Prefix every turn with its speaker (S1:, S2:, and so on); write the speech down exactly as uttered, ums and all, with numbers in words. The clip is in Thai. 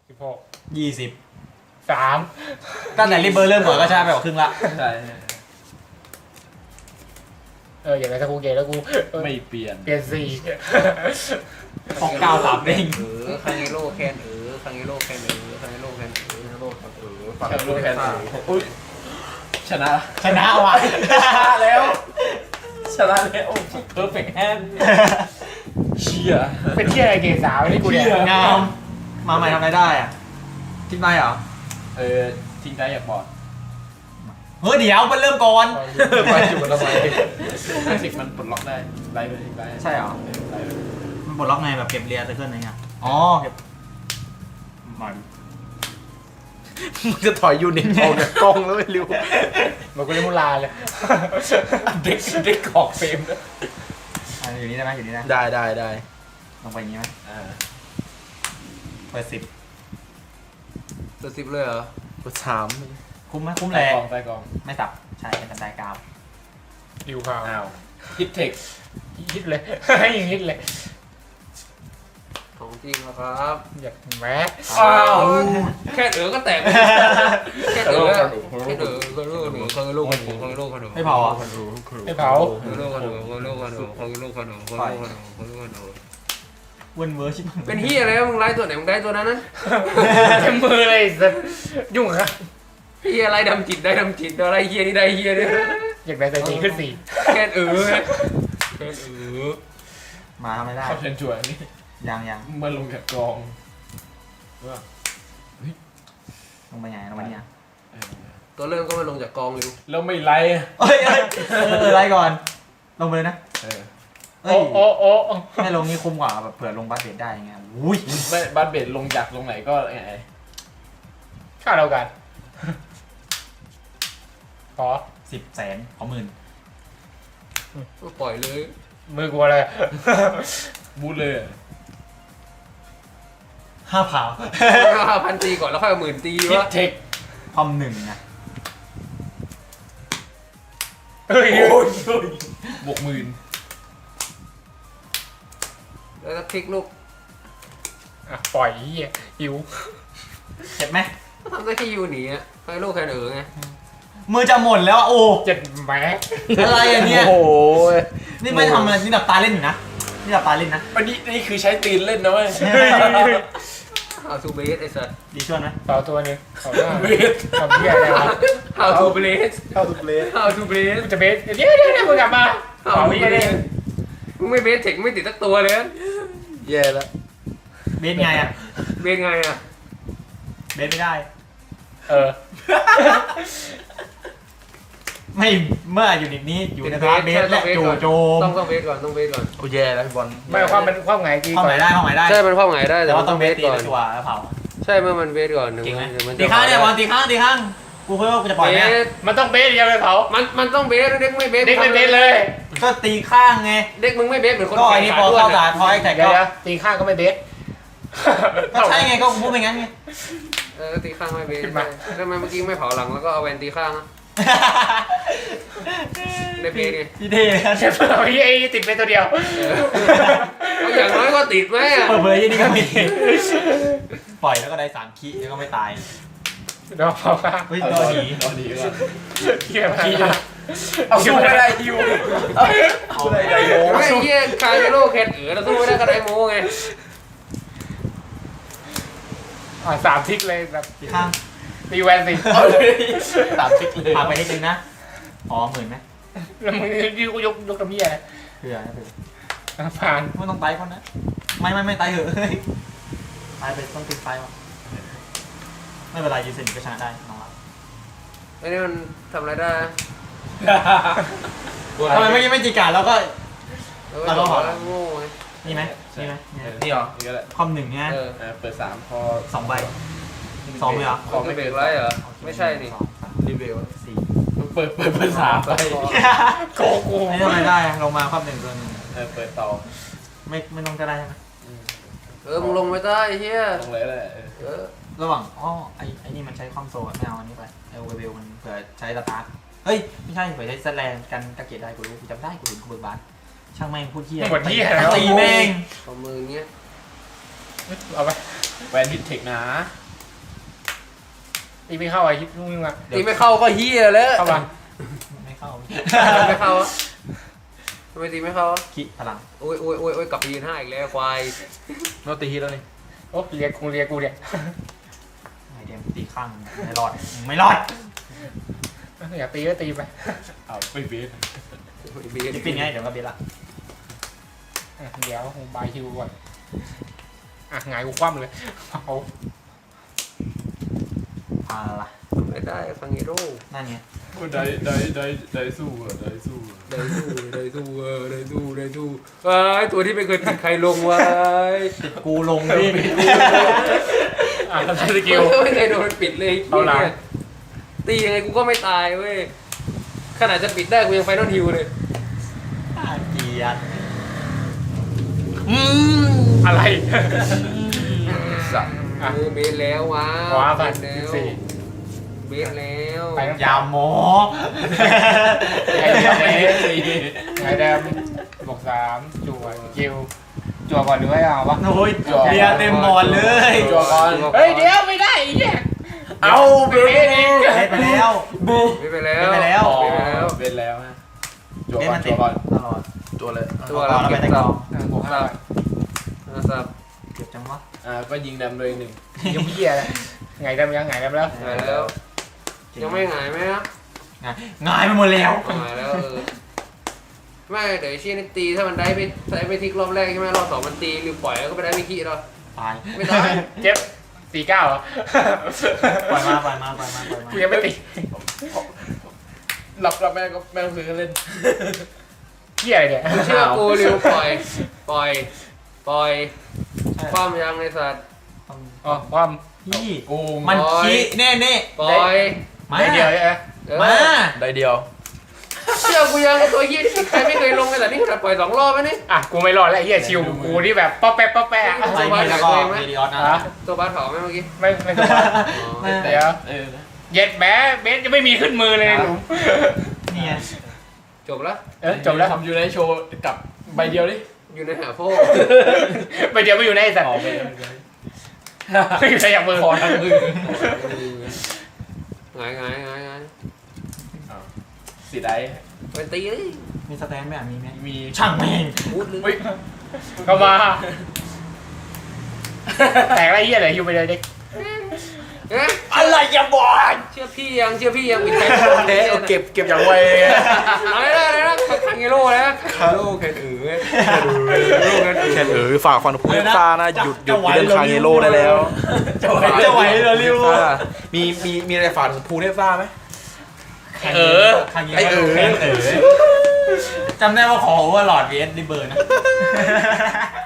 S1: สิบหก
S2: ยี่สิบ
S1: สาม
S2: ตั้งแต่ริเบอร์เริ่มหมดก็ชนะไปกว่าครึ่งละ
S3: ใช่
S1: เอออย่างไรถ้ากูเกย์แล้วกูเออ
S3: ไม่เปลี่ยน
S1: เปลี่ยนสี่
S2: หกเก้าสามเด้ง
S4: เออคังเอโร่แคนเออคังเอโร่แคนเออคังเอโร่แคนเออคังเอโร่แคนเออฝั่ง
S3: แค่รู้แค่
S4: ข้า
S3: อุ้ยชนะ
S2: ชนะว่ะ
S3: ชนะแล้วชนะแล้วเพอร์เฟกต์แฮนเชีย
S1: เป็นที่อะไรเกย์สาวนี่กูเนี่ย
S2: งามมาใหม่ทำอะไรได้อ่ะทิ้งได้เหรอ
S3: เออทิ้งได้อยากบอก
S2: เฮ้ยเดี๋ยวมันเริ่มก่อน
S3: ไปจุดมันทำไมห้าสิบมันปลดล็อกได้ไล่ไปทิ้งได้
S2: ใช่เหรอ
S3: ไล่ไป
S2: มันปลดล็อกไงแบบเก็บเรียนไซเคิลอะไรเงี้ยอ๋อเก็บ
S3: มัน
S4: มึงจะถอยยูนิตออกจากกล้องแล้วไม่รู้
S1: เหมือนกูเล่นมูลาเลย
S3: เด็กเด็กขอกเฟรมด้วย
S2: อ่ะอยู่นี่ได้ไหมอยู่นี่ได้
S4: ได้ได้ได้
S2: ลงไปอย่างงี้ไหม
S3: อ่า
S2: เปิดสิบ
S4: ตัวสิบเลยเหรอตัวสาม
S2: คุ้มไหมคุ้ม
S3: ใต้
S2: แรง
S3: กองใต้กอง
S2: ไม่สับใช่เป็นได้กาว
S1: ดิวข่าว
S3: อ้าวฮิตเทค
S1: ฮิตเลย ให้ยิงฮิตเลย
S4: ของจริงนะครับ
S1: อยากแม้
S3: อ้าว
S4: แค่เออก็แตกแค่เออแค่เออคังเอโร่หนูคังเอโร่คันหนูคังเอโร่คันหนู
S2: ไม่เผาอ่ะ
S1: ไม่เผา
S4: คังเอโร่คันหนูคังเอโร่คันหนูคังเอโร่คันหนูคังเอโร่คันหนูคังเอโร่คันหนู
S2: เวิร์นเวอร์ชิบหาย
S4: เป็นเฮียอะไรวะมึงไล่ตัวไหนมึงได้ตัวนั้นนะ
S1: เต็มมือเลยสัสยุ่งครับ
S4: เฮียอะไรดำจิตได้ดำจิตอะไรเฮียนี่ได้เฮียเนี่ย
S1: อยากได้แต่จริงขึ้นสี่
S4: แค่เออแค่เออ
S2: มาทำไม่ได้
S3: เข้าเชิญชวนนี่
S2: ยังยัง
S3: มาลงจากกอง
S2: ลงไปไหนลงไปเนี่ย
S3: เออ
S4: ตัวเริ่มก็มาลงจากกองเลย
S3: แล้วไม่ไล่
S2: เอ้ยเอ้ยเออไล่ก่อน ลงไปเลยนะ
S3: เออ
S2: เอ้
S1: โอ้
S2: ย
S1: โอ้โอ้
S2: ไม่ลงนี่คุ้มกว่าแบบเผื่อลงบัสเบดได้ไงอุ้ย
S3: ไม่บ้านเบ็ดลงจากลงไหนก็ไง
S1: ค่าเรากันขอ
S2: สิบแสนขอหมื่น
S4: ก็ปล่อยเลย
S1: มือกลัวเลย
S3: บูทเลย
S2: ห้าเผา
S4: ห้าพันตีก่อนแล้วค่อยเอาหมื่นตี
S3: ฮิต
S4: วะ
S3: เทค
S2: คอมหนึ่งนะ
S1: เฮ้ย
S3: บวกหมื่น
S4: แล้วก็คลิกลูก
S1: อ่ะปล่อยเหี้ยหิว
S2: เจ็บไหม
S4: ก็ทำได้แค่ยูหนีอ่ะให้ลูกแค่เออไง
S2: มือจะหมดแล้วอะโอ้
S1: เจ็ดแหม
S2: อะไรอ่ะเนี่ย
S3: โอ้โห
S2: นี่ไม่ทำอะไรนี่ดับตาเล่นอยู่นะนี่ดับตาเล่นนะ
S3: อันนี้นี่คือใช้ตีนเล่นนะเว้ย
S4: เอาทูเบสไอ้สัส
S2: ดีชวนไหม
S1: ต่อตัวหนึงต่อหน้า
S3: เวท
S1: ทำเหี้ยอะไรวะ
S4: เอาทูเบส
S3: เข้าทุกเลน
S4: เอาทูเบส
S1: กูจะเบสเดี๋ยวเดี๋ยวเดี๋ยวมึงกลับมา
S4: เอา
S1: เอา
S4: ทู
S1: เหี้ย
S4: เบ
S1: เนี่ย
S4: สมึงไม่เบสเทคไม่ติดสักตัวเลย
S3: แย่แล้ว
S2: เบสไงอ่ะ
S4: เบสไงอ่ะ
S2: เบสไม่ได้
S1: เออ
S2: ไม่เมื่ออยู่ในนี้อยู่ในพาร์ทเบสและจู่โจม
S4: ต้องต้องเบสก่อนต้องเบสก่อน
S3: โอ้แย่แล้วพี่บอล
S1: ไม่ความมันความไงกี
S2: เข้าไหนได้เข้าไหนได้
S4: ใช่มันเข้าไงได้
S2: แต่
S4: แต่
S2: ว่า
S4: มัน
S2: ต้
S4: ต้
S2: อ
S4: อง ง
S2: เบ
S4: เบ
S2: ส
S4: ส
S2: ตี
S4: ก่อน
S2: แล้วชัวร์แล้วเผา
S4: ใช่เมื่อมันเบสก่อนหนึ่ง
S2: จริงไหม
S4: มัน
S2: ตีข้างเนี่ยบอลตีข้างตีข้างกูเพิ่งว่ากูจะปล่อย
S4: เบ
S2: ไหม
S4: ส
S1: มันต้องเบสเดียวเลยเผา
S4: มันมันต้องเบสเด็กไม่เบส
S1: เด็กไม่เบสเลย
S2: ก็ตีข้างไง
S4: เด็กมึงไม่เบสเหมือนคน
S2: ก็อันนี้พอเข้าตาพอไอ้แท็ก
S1: เดี๋ยว
S2: ก็
S1: เดี๋ยวตีข้างก็ไม่เบส
S2: ก็ใช่ไงก็กูพูดไปงั้นไง
S4: เออตีข้างไม่เบส
S1: ขึ้นมา
S4: ทำไมเมื่อกี้ไม่เผาหลังแล้วก็เอาแวนตีข้างอะได้เบสไง
S2: พี่เท่นะ
S1: เดี๋ยวเอาไอ้ติดเบสตัวเดียว
S4: เอาอย่างน้อยก็ติดไหมอะ
S2: เปิดเผยยี่นี่ก็มีปล่อยแล้วก็ได้สามคิแล้วก็ไม่ตาย
S1: เดี๋ยวเผาข้าง
S2: เฮ้ย
S3: เอา
S2: รอ
S3: รอ
S2: ห
S3: ดี
S2: นี
S3: รอดีก่อน
S1: เหี้ยมา
S3: เอาสู้ไม่ได้ฮิวเอาได้ไดโม
S4: ไอ้เหี้ยคาร์เมโลแคนเอ๋อเราสู้ไม่ได้ก็ได้โมไง
S1: อ่ะสามทิกเลยแบบ
S2: ตีข้าง
S1: ตีแวนสิ
S3: เอาเลยสามทิกเลย
S2: พาไปนิดนึงนะอ๋อหมื่นไหม
S1: แล้วมึงยืนกูยกยกตะเมียนะ
S2: เผื่อนะเผื่อ
S1: อ่ะผ่าน
S2: ไม่ต้องไต่คนนะไม่ไม่ไม่ไต่เหอะเฮ้ยไต่ไปต้องติดไฟวะไม่เป็นไรยูเซนก็ชนะได้น้องรัก
S4: ไอ้นี่มันทำอะไรได้
S2: ทำไมเมื่อกี้ไม่จีการแล้วก็
S4: แล้วก็บอกแล้วโง่ไง
S2: นี่ไหมนี่ไหมนี่ไหม
S3: นี่เหรอนี่ก็ได้
S2: คอมหนึ่งเนี่ย
S4: เออ
S3: เออเปิดสามพอ
S2: สองใบสองเลยเหรอ
S4: ของไม่เบรกไรเหรอไม่ใช่นี่
S2: สองสาม
S3: รีเวล
S2: สี่
S3: เปิดเปิดเปิดสามไป
S1: โกกู
S2: ไม่ทำอะไรได้ลงมาคอมหนึ่งตัวหนึ่ง
S3: เออเปิดต่อ
S2: ไม่ไม่ต้องก็ได้ใช่ไหม
S4: เออมึงลงไม่ได้ไอ้เหี้ย
S3: ตรงเลยแหละ
S4: เออ
S2: ระหว่างอ๋อไอไอนี่มันใช้คอมโซลอะไม่เอาอันนี้ไปไอโอเวลมันเผื่อใช้สตาร์ทเฮ้ยไม่ใช่เผื่อใช้สแลนกันตะเกียบได้กูรู้กูจำได้กูเห็นกูเบิร์บาร์ช่างแม่งพูดเที่ย
S1: หมดที่แล้ว
S2: ตีแม่ง
S4: ของมืออย่างเงี้ย
S1: เอาไป
S3: แวนฮิตเทคนะ
S1: ตีไม่เข้าไอ้ฮิปนุ่งอ่ะ
S4: ตีไม่เข้าก็เฮียแล้ว
S1: เข้ามา
S2: ไม่เข้า
S4: ไม่เข้าอะทำไมตีไม่เข้าอะ
S2: ขี้พลัง
S4: โอ้ยโอ้ยโอ้ยโอ้ยกลับไปยืนห้าอีกแล้วควาย
S3: โนตีฮิตแล้วนี่
S1: โอ้เรียกกูเรียกกูเนี่ย
S2: ไอเดมตีข้างไม่รอดไม่รอด
S1: อยากตีก็ตีไป
S3: เอาไปเบส
S4: บี
S2: จะเป็นไงเดี๋ยวก็เบสละ
S1: อ่ะเดี๋ยวบายฮิวก่อนอ่ะหงายกูคว่ำเลยเอา
S2: พาละ
S4: ไม่ได้ฟังฮีโร่
S2: นั่นไง
S3: ได้ได้ได้ได้สู้อ่ะได้สู้อ่ะ
S4: ได้สู้ได้สู้เออได้สู้ได้สู้ไอ้ตัวที่ไม่เคยติดใครลงไว้
S2: ติดกูลงดิ
S1: อ่ะทำสกิล
S4: ไม่เคยโดนปิดเลย
S1: เอาหลัง
S4: ตียังไงกูก็ไม่ตายเว้ยขนาดจะปิดได้กูยังไฟนอลฮิวเลย
S2: เกียด
S4: อืม
S1: อะไร
S4: สัตว์
S1: อ่ะ
S4: เออเบสแล้วว้า
S1: ขวาไป
S4: เบสแล้ว
S1: สี่
S4: เบสแล้ว
S1: ไปน้ำ
S2: ยาโม
S1: ไอ้เดียวไอ้สี่ไอ้แดมบวกสามจั่วสกิลจั่วก่อนหรือไม่เอาวะ
S2: โอ้ยเบียร์เต็มบอลเลย
S3: จัวก่อน
S1: เฮ้ยเดี๋ยวไม่ได้ไอ้เหี้ย
S3: เอาเบส
S1: เอง
S2: เล่นไปแล้วบู
S4: เบสไปแล้ว
S2: เบสไปแล้ว
S4: เบสไปแล้ว
S3: เบสแล้วฮะจัว
S2: เล่น
S3: ก่อ
S2: มัน น
S3: จั
S2: ติ
S3: ว
S2: ด
S3: ก่อน
S2: ตลอด
S3: จัวเลย
S4: ตัว
S2: เอา
S4: เรา
S2: แล้วไป
S4: เก็บ
S2: แต่ก
S4: ตั
S2: อง
S4: บ
S1: อ่ะบวกห้า
S4: สับ
S2: เก็บจังวะ
S3: อ่าก็ยิงดำเลยหนึ่ง
S1: ยังเหี้ยเลยไงดำยังไงดำแล้ว
S4: หายแล้ว ยังไม่หายไหมครับ
S2: งายงายไปหมดแล้ว
S4: หายแล้วเออไม่เดี๋ยวไอ้เชี่ยนี่ตีถ้ามันได้ไปได้ไปทิกรอบแรกใช่ไหมรอบสองมันตีหรือปล่อยแล้วก็ไปได้ไม่ขี้หรอ
S2: ตาย
S4: ไม่ตาย
S1: เจ็บสี่เก้าเหรอ
S2: ปล่อยมาปล่อยมาปล่อยมาปล่อยมา
S1: กูยังไม่ตี
S3: หลับหลับแม่ก็แม่ก็ซื้อเล่น
S1: เหี้ยอะไรเนี่ย
S4: เชื่อกูริวปล่อย ปล่อย ปล่อยความยังในสัตว์
S1: อ๋อความ
S2: พี่
S3: กู
S2: มันขี้แน่แน่
S4: ปล่อย
S2: มา
S1: ได้เดียวใช่ไหม
S4: เออ
S2: มา
S3: ได้เดียว
S4: เชื่อกูยังไอ้ตัวเฮี้ยที่ใครไม่เคยลงกันแต่นี่ขนาดปล่อยสองรอบไหมนี่
S1: อ่ะกูไม่รอดแล้วไอ้เหี้ยชิวกูที่แบบป๊อปแป๊ะป๊อปแป๊ะ
S2: ไปนี่แล้วก็เมดิออสนะ
S1: อ่ะ
S4: ตัวบาสเผาไหมเมื่อกี้
S1: ไม่ไม่ถูกว่า
S4: อ๋อ
S2: ไม่
S1: เดี๋ยว
S3: เออ
S1: เย็ดแม้เบสจะไม่มีขึ้นมือเลยในหลุม
S2: เนี่ย
S4: จบแล้ว
S1: เออจบแล้ว
S3: ทำยูไนโชว์กับใบเดียวดิ
S4: อยู่ในหาโฟ
S1: ไปเดี๋ยวไปอยู่ในไอ้สัตว์
S3: ออกไป
S1: ไม่อยู่ในอย่างมือ
S3: พอทั้งมือ
S4: หงายหงายหงายหงาย
S3: สีได้
S4: ไปตีเลย
S2: มีสแตนไหมอ่ะมีไหม
S3: มี
S2: ช่างแม่ง
S4: พูดเลย
S3: เฮ้ย
S1: เข้ามาแตกไรเหี้ยเลยอยู่ไปเลยเด็ก
S4: เอ๊ะ
S2: อะไรอย่าบอก
S4: เชื่อพี่ยังเชื่อพี่ยังปิดใจ
S3: เอ๊ะเอาเก็บเก็บอย่างไว
S4: เอาเลยนะเลยนะคังเงโร่นะคังเงโร่แค่ถือแค่ถือโร่แค่ถือ
S5: แค่เออฝากฟันพูดซ่านะหยุดหยุดเรื่องคาเงโร่ได้แล้ว
S2: จะไหวจะไหวเหรอริว
S5: อ่ามีมีมีอะไรฝากถึงพูเทซ่าไหม
S1: เออ
S2: ไอเออเออจำได้ว่าขอว่าหลอดเวสดิเบอร์นะ